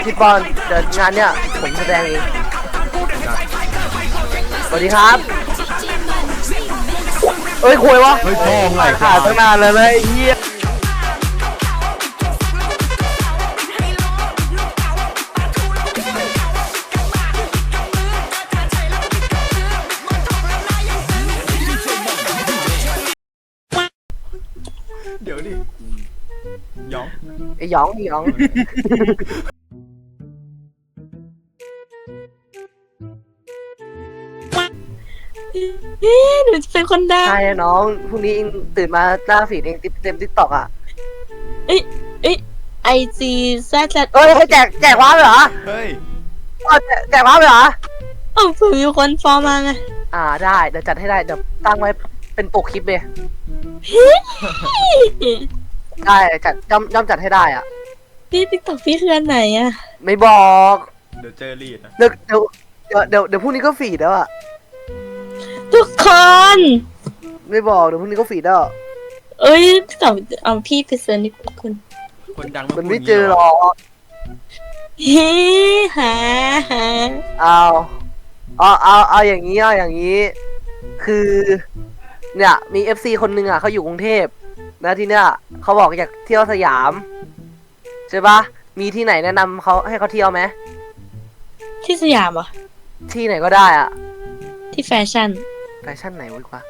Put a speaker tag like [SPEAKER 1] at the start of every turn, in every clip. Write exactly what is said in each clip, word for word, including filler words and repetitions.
[SPEAKER 1] พี่ปอนเดี๋ยวงานเนี้ยผมแสดงเองสวัสดีครับเอ้ยคุยวะ
[SPEAKER 2] เฮ้ยพ่อไง
[SPEAKER 1] ขาดตั้งนานเลยนะไอ้เหี้ย
[SPEAKER 2] เดี๋ยวดิหยอง
[SPEAKER 1] ไอ้หยองไอ้หยอง
[SPEAKER 3] เอ๊ะหนูจะเป็นคนดัง
[SPEAKER 1] ใช่อะน้องพรุ่งนี้เองตื่นมาหน้าฟีดเองเต็มทิกตอกอ่ะ
[SPEAKER 3] เอ้ยเอ้ยไอจีแซดแซด
[SPEAKER 1] เอ้ยให้แจกแจกว้าวเหรอ
[SPEAKER 2] เฮ้ย
[SPEAKER 1] เอาแจกแจกว้าวเหรอ
[SPEAKER 3] เอ้าผมมีคนฟอลมาไง
[SPEAKER 1] อ่าได้เดี๋ยวจัดให้ได้เดี๋ยวตั้งไว้เป็นปกคลิปเลยได้จัดย่อมย่อมจัดให้ได้อ่ะ
[SPEAKER 3] พี่ติ๊กต็อกพี่คืออันไหนอะ
[SPEAKER 1] ไม่บอก
[SPEAKER 2] เดี๋ยวเจอรีดนะ
[SPEAKER 1] เดี๋ยวเดี๋ยวเดี๋ยวเดี๋ยวเดี๋ยวพรุ่งนี้ก็ฟีดแล้วอ่ะ
[SPEAKER 3] ทุกคน
[SPEAKER 1] ไม่บอกเดี๋ยวพรุ่งนี้ก็ฟีดแล้ว
[SPEAKER 3] เอ้ยติ๊กต็อกเอาพี่ไปเซิร์ชนี่คุณ
[SPEAKER 2] คนดัง
[SPEAKER 1] มันไม่เจอหรอก
[SPEAKER 3] เฮ้หาหา
[SPEAKER 1] เอาเอาเอาเอาอย่างนี้เอาอย่างนี้ คือเนี่ยมี เอฟ ซี คนหนึ่งอ่ะเขาอยู่กรุงเทพนะที่เนี่ยเขาบอกอยากเที่ยวสยามใช่ปะมีที่ไหนแนะนำเขาให้เขาเที่ยวไหม
[SPEAKER 3] ที่สยามเหรอ
[SPEAKER 1] ที่ไหนก็ได้อ่ะ
[SPEAKER 3] ที่แฟชั่น
[SPEAKER 1] แฟชั่นไหนวะกว่า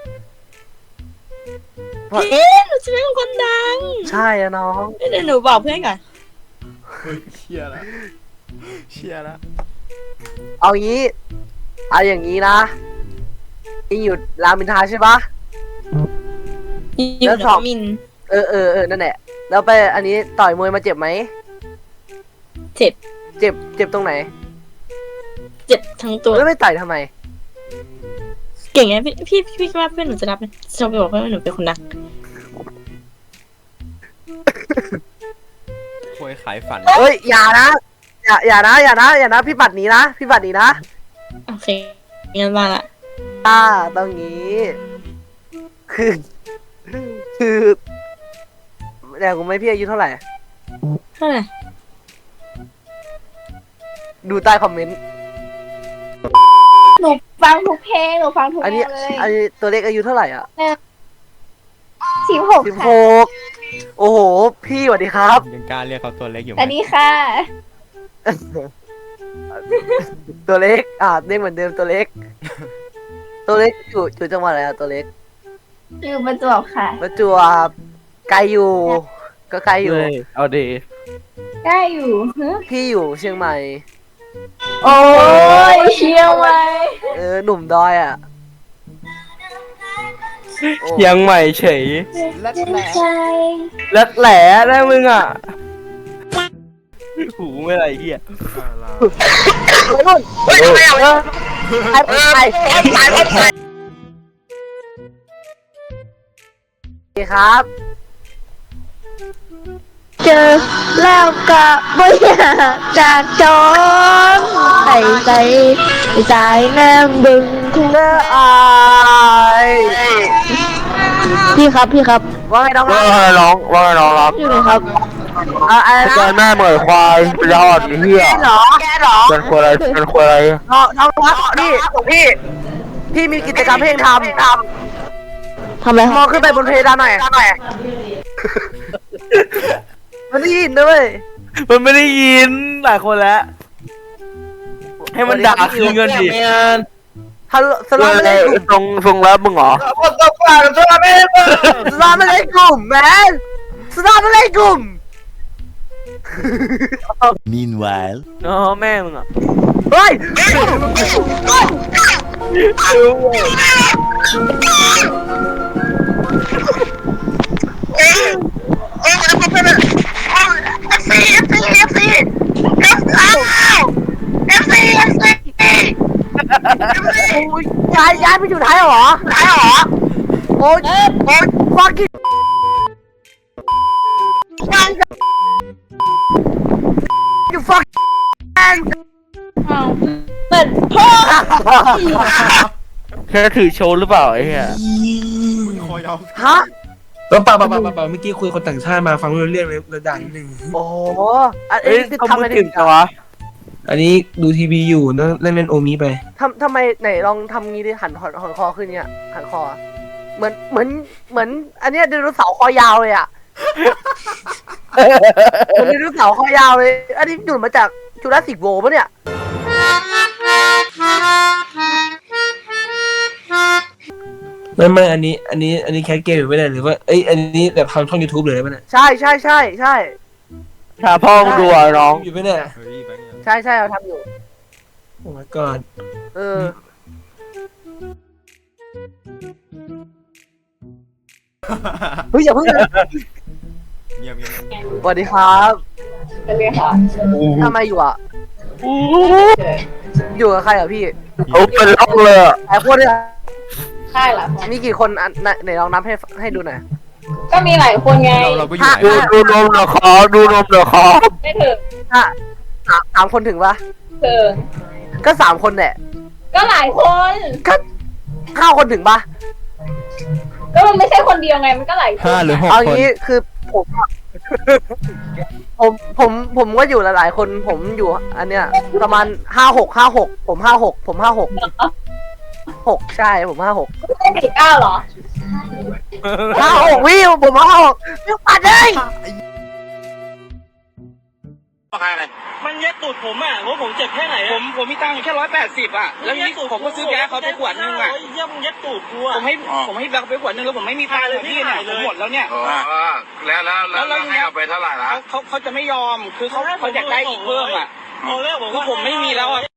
[SPEAKER 3] เอ๊ะหนูจะเป็นคนดัง
[SPEAKER 1] ใช่อะน้อง
[SPEAKER 3] เดี๋ยวหนูบอกเพื่อนก่อน
[SPEAKER 2] เฮ้ยเชียร์ละเชียร์ละ
[SPEAKER 1] เอางี้เอาอย่างนี้นะอิงอยู่รามอินทราใช่ปะ
[SPEAKER 3] อยู่
[SPEAKER 1] แล้ว
[SPEAKER 3] หน
[SPEAKER 1] สอ
[SPEAKER 3] อง งมิน
[SPEAKER 1] เออเออเออนั่นแหละแล้วไปอันนี้ต่อยมวยมาเจ็บไหม
[SPEAKER 3] เจ็บ
[SPEAKER 1] เจ็บเจ็บตรงไหน
[SPEAKER 3] เจ็บทั้งตัว
[SPEAKER 1] แล้วไม่ต่อยทำไม
[SPEAKER 3] เก่งไงพี่พี่พี่คิดว่าเพื่อนหนูจะรับไหมจะไปบอกเพื่อนว่าหนูเป็นคนดัง
[SPEAKER 2] ควยขายฝัน
[SPEAKER 1] เอ้ยอย่านะอย่าอย่านะอย่านะอย่านะพี่ปัดหนีนะพี่ปัดหนีนะ
[SPEAKER 3] โอเคงั้นมาละ
[SPEAKER 1] อ่าตรงนี้คือคือแต่กูไม่พี่อายุเท่าไหร่
[SPEAKER 3] เท่าไหร่
[SPEAKER 1] ดูใต้คอมเมนต์
[SPEAKER 4] หนูฟังทุกเพลงหนูฟังทุก
[SPEAKER 1] อัน
[SPEAKER 4] เพล
[SPEAKER 1] นี้
[SPEAKER 4] งเลย
[SPEAKER 1] อันนี้ตัวเล็กอายุเท่าไหร่อ่ะ
[SPEAKER 4] สิบหก
[SPEAKER 1] สิบห
[SPEAKER 4] ค่ะ
[SPEAKER 1] กโอ้โหพี่สวัสดีครับ
[SPEAKER 2] ยังกล้าเรียกเขาตัวเล็กอยู่ไห
[SPEAKER 4] สวัส
[SPEAKER 2] ม
[SPEAKER 4] ดีค่ะ
[SPEAKER 1] ตัวเล็กอ่าเรียกเหมือนเดิมตัวเล็ก ตัวเล็กอยู่อยู่จังหวัดอะไรอะตัวเล็ก
[SPEAKER 4] อยู่ประจวบค่ะ
[SPEAKER 1] ประจวบไกลอยู่ ก็ไกลอยู่
[SPEAKER 5] เอาดี
[SPEAKER 4] ได้อยู่ฮะ
[SPEAKER 1] พี่อยู่เชียงใหม่
[SPEAKER 4] โอ้ยเชียวไว้
[SPEAKER 1] เออหนุ่มดอยอ่ะโอ้
[SPEAKER 5] ยังใหม่เฉย
[SPEAKER 2] และแหละ
[SPEAKER 4] ใจ
[SPEAKER 5] แล้วแหล่ได้มึงอ่ะ หูไม่ไรเหี้ย
[SPEAKER 1] ไปนู่นไปไปไปไปไปไปไปครับ
[SPEAKER 4] เจอแล้วก็ไม่อยากจากจอนใส่ใจใจน้ำบึง
[SPEAKER 1] เนื้ออาย
[SPEAKER 4] พี่ครับพี่ครับ
[SPEAKER 1] ว่าไงน้องค
[SPEAKER 5] ว่า
[SPEAKER 1] รับ
[SPEAKER 5] ไงน้องว่าไงน้องรับ
[SPEAKER 4] อยู่ไหนครับ
[SPEAKER 1] อ่าอะไร
[SPEAKER 5] ใจ
[SPEAKER 1] นะ
[SPEAKER 5] แม่เหมือนควายเป็นยอดเหี้ย
[SPEAKER 1] แกเหรอแกเหรอ
[SPEAKER 5] เป็นควายอะไรเป็นควายอะไร
[SPEAKER 1] น้องน้องครับพี่พี่พี่มีกิจกรรมเพลงทำท
[SPEAKER 4] ทำไร
[SPEAKER 1] ำ
[SPEAKER 4] ค
[SPEAKER 1] ม
[SPEAKER 4] รั
[SPEAKER 1] อบ งขึ้นไปบนเพดานหน่อยหน่อยมันได้ยินด้วย
[SPEAKER 5] มันไม่ได้ยินหลายคนแล้ว ให้มันด่าคืนเงินดิ
[SPEAKER 1] ฮัลโหลสลามไม่ได้กลุ่ม
[SPEAKER 5] ทรงทรงแล้วมึงเหรอ
[SPEAKER 1] สลามไม่ได้กลุ่มแมนสลามไม่ได้กลุ่ม
[SPEAKER 6] Meanwhile.
[SPEAKER 5] อ๋อแม่มึงอ่ะ
[SPEAKER 1] เฮ้ย โอ้ยย้ายย้ายไปอยู่ไทยเหรอไทยเหรอโอ้ยโอ้ย fucking you fuck
[SPEAKER 4] เปิดพ่อ
[SPEAKER 5] แค่ถือโชว์หรือเปล่าไอ้เหี้ย
[SPEAKER 2] มึงคอยเอา
[SPEAKER 1] ฮะ
[SPEAKER 7] เปล่าเปล่าเปล่าเปล่าเปล่าเมื่ออกี้คุยคนต่างชาติมาฟังไม่รู้เรื่องเลยระดับนิดนึง
[SPEAKER 1] โอ้โหอัน
[SPEAKER 5] เอ้
[SPEAKER 1] นี้
[SPEAKER 5] ย
[SPEAKER 1] คือ
[SPEAKER 5] เขา
[SPEAKER 1] ทำ
[SPEAKER 5] พู
[SPEAKER 1] อะ
[SPEAKER 5] ด
[SPEAKER 1] ไร
[SPEAKER 5] ถึงจังวะ
[SPEAKER 7] อันนี้ดูทีวีอยู่นั่งเล่นเล่นโอมิไป
[SPEAKER 1] ทำทำไมไหนลองทำงี้ดิหันหันหันคอขึ้นเนี่ยหันคอ เหมือนเหมือนเหมือน อันเนี้ยไดโนเสาร์คอยาวเลยอ่ะ เหมือนไดโนเสาร์คอยาวเลย อันนี้หยุดมาจากจูราสสิกโวลด์ปะเนี่ย
[SPEAKER 7] ไม่ไม่อันนี้ อันนี้อันนี้แคสเกมอยู่ไม่ได้หรือว่าเอ้ยอันนี้แบบทำช่อง YouTube เลยได้ไหมเนี่ย
[SPEAKER 1] ใช่ใช่ใช่ใช่
[SPEAKER 5] ถ้าพ่อมึงดูอ่ะน้อง
[SPEAKER 7] อยู่ไม่ได้
[SPEAKER 2] เฮ้ยแบงค์ยัง
[SPEAKER 1] ใช่ใช่เราทำอยู่
[SPEAKER 7] โอ้ my god
[SPEAKER 1] เออ เฮ้ยอย่าเพิ่งนะ
[SPEAKER 2] เงียบเงียบเงียบ
[SPEAKER 1] สวัสดีครับ
[SPEAKER 4] เป็นไงคะ
[SPEAKER 1] ทำไมอยู่อ่ะ อยู่กับใครอ่ะพี่
[SPEAKER 5] เอาเป็นล็อกเลยอะ
[SPEAKER 1] หลายคนเลยอะ
[SPEAKER 4] ใช่เหรอ
[SPEAKER 1] มีกี่คนอันไหนไหนลองนับให้ให้ดูหน่อย
[SPEAKER 4] ก็มีหลายคนไง
[SPEAKER 2] เราเราก็อยู่ไหน
[SPEAKER 5] ดูดูนมเหรอคอดูนมเหรอคอ
[SPEAKER 4] ไม่ถึง
[SPEAKER 1] ถ้าสามสามคนถึงปะ
[SPEAKER 4] ถึง
[SPEAKER 1] ก็สามคนแหละ
[SPEAKER 4] ก็หลายคน
[SPEAKER 1] ก็ห้าคนถึงปะ
[SPEAKER 4] ก็มันไม่ใช่คนเดียวไงมันก็หลายคน
[SPEAKER 2] ห้าหรือหก
[SPEAKER 1] เอา
[SPEAKER 2] คน
[SPEAKER 1] งี้คือผมอะ ผมผมผมก็อยู่หลายๆคน ผมอยู่ อันเนี้ย ประมาณห้าหกห้าหกผมห้าหกผมห้าหกหกใช่ผมห้าหก
[SPEAKER 4] ไม่ใช่สี่เก้าเหรอ
[SPEAKER 1] ห้าหกวิวผมห้าหกวิวปัดเลย
[SPEAKER 6] มันเย็ดตูดผมอ่ะว่าผมเจ็บแค่ไหนผมผมมีตังค์อยู่แค่ร้อยแปดสิบอ่ะ แล้วนี่ผมก็ซื้อแก๊สเขาไปขวดนึงอ่ะเยี่ยมเย็ดตูดกูอ่ะผมให้ผมให้แบงค์ไปขวดนึงแล้วผมไม่มีตังค์เลยพี่เนี่ยผมหมดแล้วเนี่ย
[SPEAKER 8] แล้วแล้วแล้วแล้วให้เอาไปเท่าไหร่ละ
[SPEAKER 6] เขาเขาเขาจะไม่ยอมคือเขาเขาอยากได้อีกเพิ่มอ่ะคือผมไม่มีแล้วอ่ะ